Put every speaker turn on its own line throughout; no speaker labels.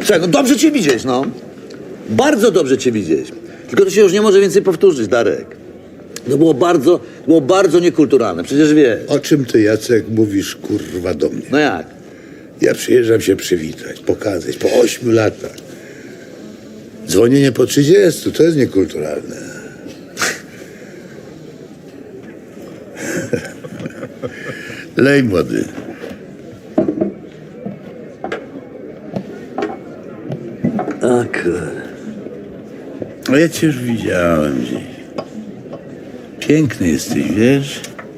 Słuchaj, no dobrze cię widzieć, no. Bardzo dobrze cię widzieć. Tylko to się już nie może więcej powtórzyć, Darek. To było bardzo niekulturalne, przecież wiesz.
O czym ty, Jacek, mówisz, kurwa, do mnie?
No jak?
Ja przyjeżdżam się przywitać, pokazać, po 8 latach. Dzwonienie po 30, to jest niekulturalne. Lej, młody.
Tak.
No ja cię już widziałem gdzieś. Piękny jesteś, wiesz?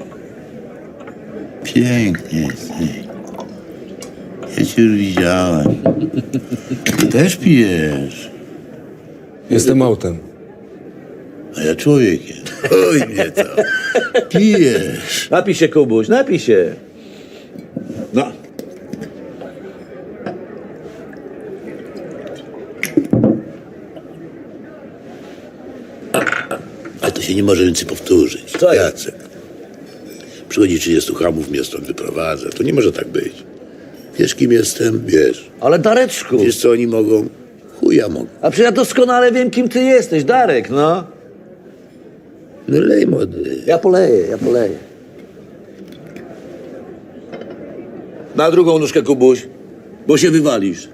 Piękny jesteś. Ja cię już widziałem. Ty też pijesz.
Jestem autem.
A ja człowiekiem. Oj, nie to. Pijesz.
Napij się, Kubuś, napij się. No.
A to się nie może więcej powtórzyć.
Co jest?
Jacek. Przychodzi 30 chamów, mnie stąd wyprowadza. To nie może tak być. Wiesz, kim jestem? Wiesz.
Ale Dareczku,
Wiesz, co oni mogą? Chuja mogą.
a przecież ja doskonale wiem, kim ty jesteś, Darek, no.
No lej, młody.
Ja poleję. Na drugą nóżkę, Kubuś, bo się wywalisz.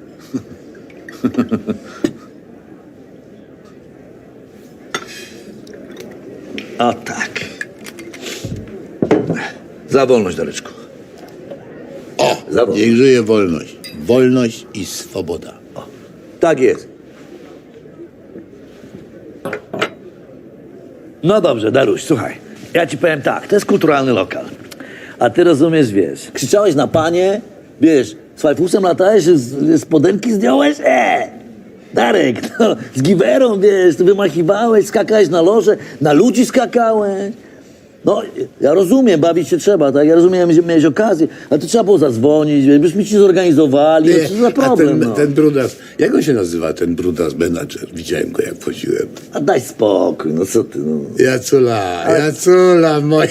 A tak. Za wolność, Dareczku.
O!
Za wolność.
Niech żyje wolność. Wolność i swoboda.
Tak jest. No dobrze, Daruś, słuchaj. Ja ci powiem tak, to jest kulturalny lokal. A ty rozumiesz, wiesz, krzyczałeś na panie, wiesz, z fajfusem latałeś, z podemki zdjąłeś? Darek, no, z giwerą, wiesz, ty wymachiwałeś, skakałeś na loże, na ludzi skakałeś. No, ja rozumiem, bawić się trzeba, tak? Ja rozumiem, że miałeś okazję, ale to trzeba było zadzwonić, wiesz, byśmy ci zorganizowali, no, co za problem,
a ten brudas, jak on się nazywa, ten brudas menadżer? Widziałem go, jak wchodziłem.
A daj spokój, no co ty, no.
Jacula moja.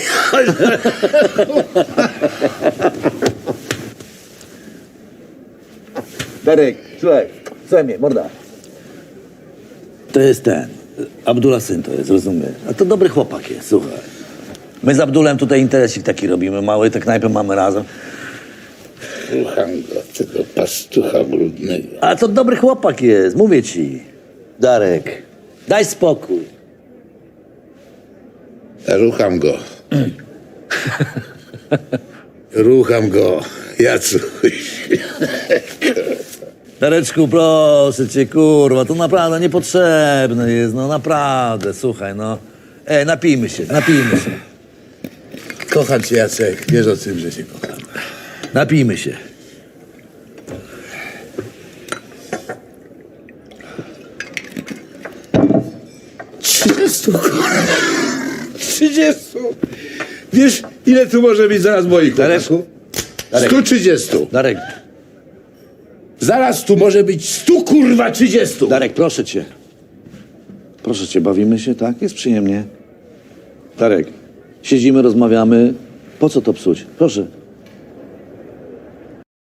Darek, słuchaj mnie, morda. To jest ten, Abdullah syn to jest, rozumiesz? A to dobry chłopak jest, słuchaj. My z Abdulem tutaj interesik taki robimy, mały, tę knajpę mamy razem.
Słucham go, tego pastucha brudnego.
A to dobry chłopak jest, mówię ci. Darek, daj spokój.
Rucham go. Rucham go, Jacuś.
Dareczku, proszę cię, kurwa, to naprawdę niepotrzebne jest, no naprawdę, słuchaj, no. Napijmy się.
Kocham cię, Jacek. Wiesz o tym, że cię kocham.
Napijmy się.
Trzydziestu. Wiesz, ile tu może być zaraz moich
Dareczku?
Darek. 130.
Darek,
Zaraz tu może być 100, kurwa, 30.
Darek, proszę cię. Proszę cię, bawimy się, tak? Jest przyjemnie. Darek, siedzimy, rozmawiamy. Po co to psuć? Proszę.